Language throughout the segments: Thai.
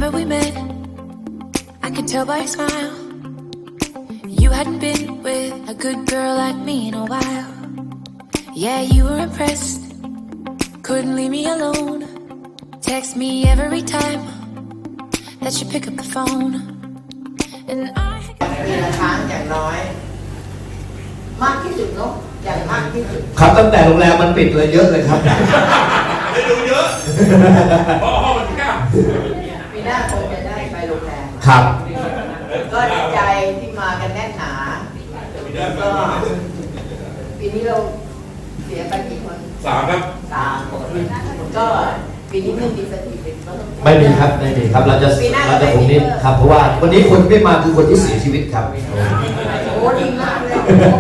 moment we met, I could tell by your smile you hadn't been with a good girl like me in a while. Yeah, you were impressed, couldn't leave me alone. Text me every time that you pick up the phone. And I ปีละครั้งอย่างน้อยมากที่สุดเนาะอย่างมากที่สุดครับตั้งแต่โรงแรมมันปิดเลยเยอะเลยครับได้ดูเยอะเพราะห้องมันแคบปีหน้าคงจะได้ไปโรงแรมครับก็ดีใจที่มากันแน่นหนาก็ปีนี้เราเสียไปกี่คน 3 ครับ 3 คนก็ปีนี้ไม่มีสถิติก็ต้องไม่มีครับไม่มีครับเราจะผมนิดครับเพราะว่าวันนี้คนที่ไม่มาคือคนที่เสียชีวิตครับโอ้ดีมากเลย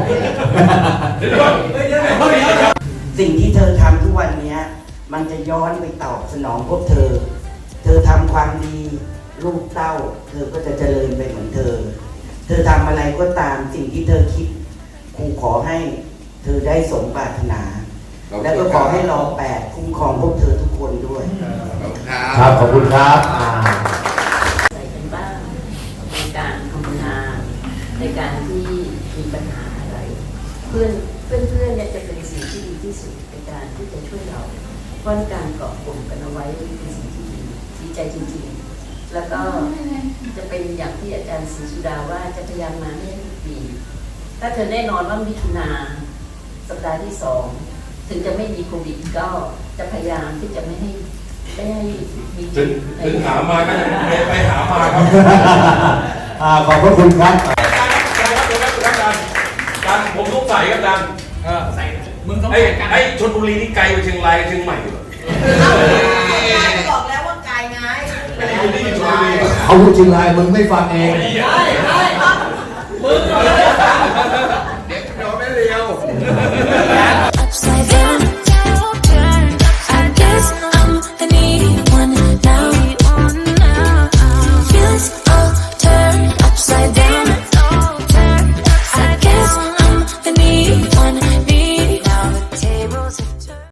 สิ่งที่เธอทำทุกวันนี้มันจะย้อนไปตอบสนองพวกเธอ เธอทำความดีลูกเต้า เธอก็จะเจริญไปเหมือนเธอ เธอทำอะไรก็ตามสิ่งที่เธอคิดครูขอให้เธอได้สมปรารถนา แล้วก็ขอให้รอ8คุ้มครองพวกเธอทุกคนด้วยครับขอบคุณครับใส่กันบ้างในการทำงานในการที่มีปัญหาอะไรเพื่อนเนี่ยจะเป็นสิ่งที่ดีที่สุดในการที่จะช่วยเราเพราะการเกาะกลุ่มกันเอาไว้เป็นสิ่งที่ดีใจจริงๆแล้วก็จะเป็นอย่างที่อาจารย์ศรีสุดาว่าจะพยายามมาให้ทุกปีถ้าเธอแน่นอนว่ามิถุนาสัปดาห์ที่2ถึงจะไม่มีโควิดก็จะพยายามที่จะไม่ให้มีถึงหามาก็จะไปหามาครับขอบพระคุณครับการผมต้องใส่ครับดันใส่มึงต้องไอ้ชลบุรีนี่ไกลไปเชียงรายเชียงใหม่อยู่บอกแล้วว่ากายไงเอาพูดจริงไรมึงไม่ฟังเองมึงเดี๋ยวไม่เรียว